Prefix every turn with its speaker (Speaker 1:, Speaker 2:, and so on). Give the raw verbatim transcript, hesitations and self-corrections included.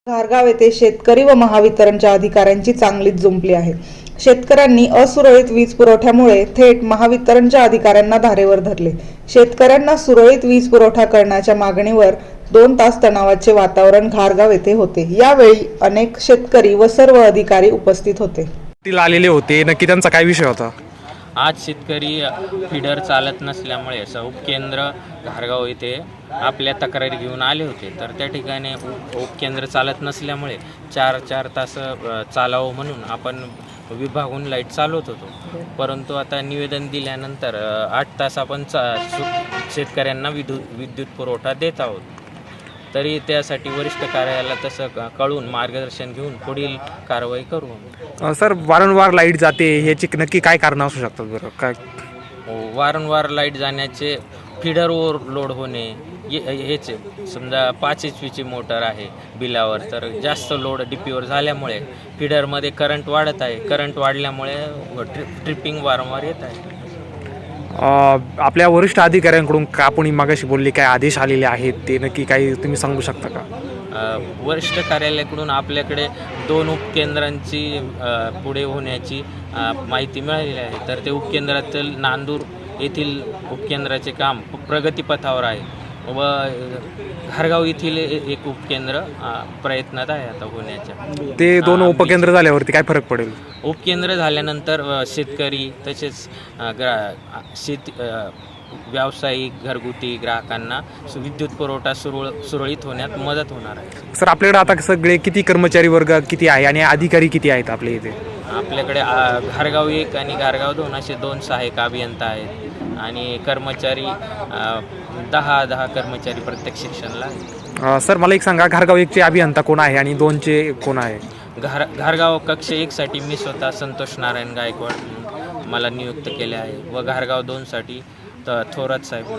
Speaker 1: घारगाव येथे शेतकरी व महावितरणच्या अधिकाऱ्यांची चांगलीच जुंपली आहे. शेतकऱ्यांनी असुरळीत वीज पुरवठ्यामुळे थेट महावितरणच्या अधिकाऱ्यांना धारेवर धरले. शेतकऱ्यांना सुरळीत वीज पुरवठा करण्याच्या मागणीवर दोन तास तणावाचे वातावरण घारगाव येथे होते. यावेळी अनेक शेतकरी व सर्व अधिकारी उपस्थित होते.
Speaker 2: आलेले होते, नक्की त्यांचा काय विषय होता?
Speaker 3: आज शेतकरी फीडर चालत नसल्यामुळे उपकेंद्र घारगाव येथे आपल्या तक्रारी घेऊन आले होते. तर त्या ठिकाणी उप उपकेंद्र चालत नसल्यामुळे चार चार तास चालावं म्हणून आपण विभागून लाईट चालवत होतो. परंतु आता निवेदन दिल्यानंतर आठ तास आपण चा शेतकऱ्यांना विद्युत विद्युत पुरवठा देत आहोत. तरी त्यासाठी वरिष्ठ कार्यालयाला तसं कळून मार्गदर्शन घेऊन पुढील कारवाई करू.
Speaker 2: सर, वारंवार लाईट जाते, ह्याची नक्की काय कारण असू शकतात बरं? काय
Speaker 3: वारंवार लाईट जाण्याचे फीडर ओव्हरलोड होणे हेच. समजा पाच एच पीची मोटर आहे बिलावर, तर जास्त लोड डी पीवर झाल्यामुळे फीडरमध्ये करंट वाढत आहे. करंट वाढल्यामुळे ट्रि ट्रिपिंग वारंवार येत आहे.
Speaker 2: आपल्या वरिष्ठ अधिकाऱ्यांकडून का आपण मागाशी बोलले काय आदेश आलेले आहेत, ते नक्की काही तुम्ही सांगू शकता का?
Speaker 3: वरिष्ठ कार्यालयाकडून आपल्याकडे दोन उपकेंद्रांची पुढे होण्याची माहिती मिळालेली आहे. तर ते उपकेंद्रातील नांदूर येथील उपकेंद्राचे काम प्रगतीपथावर आहे व घारगाव येथील एक उपकेंद्र प्रयत्नात आहे आता होण्याच्या.
Speaker 2: ते दोन उपकेंद्र झाल्यावरती काय फरक पडेल?
Speaker 3: उपकेंद्र झाल्यानंतर शेतकरी तसेच ग्रा शेती व्यावसायिक घरगुती ग्राहकांना विद्युत पुरवठा सुरळ सुरळीत होण्यात मदत होणार आहे.
Speaker 2: सर, आपल्याकडे आता सगळे किती कर्मचारी वर्ग किती आहे आणि अधिकारी किती आहेत आपल्या इथे?
Speaker 3: आपल्याकडे घारगाव एक आणि घारगाव दोन असे दोन सहाय्यक अभियंता आहेत आणि कर्मचारी दहा दहा कर्मचारी प्रत्येक सेक्शनला आहेत.
Speaker 2: सर, मला एक सांगा, घारगाव एकचे अभियंता कोण आहे आणि दोनचे कोण आहे?
Speaker 3: घार घारगाव कक्ष एकसाठी मी स्वतः संतोष नारायण गायकवाड मला नियुक्त केले आहे व घारगाव दोनसाठी थोरात साहेब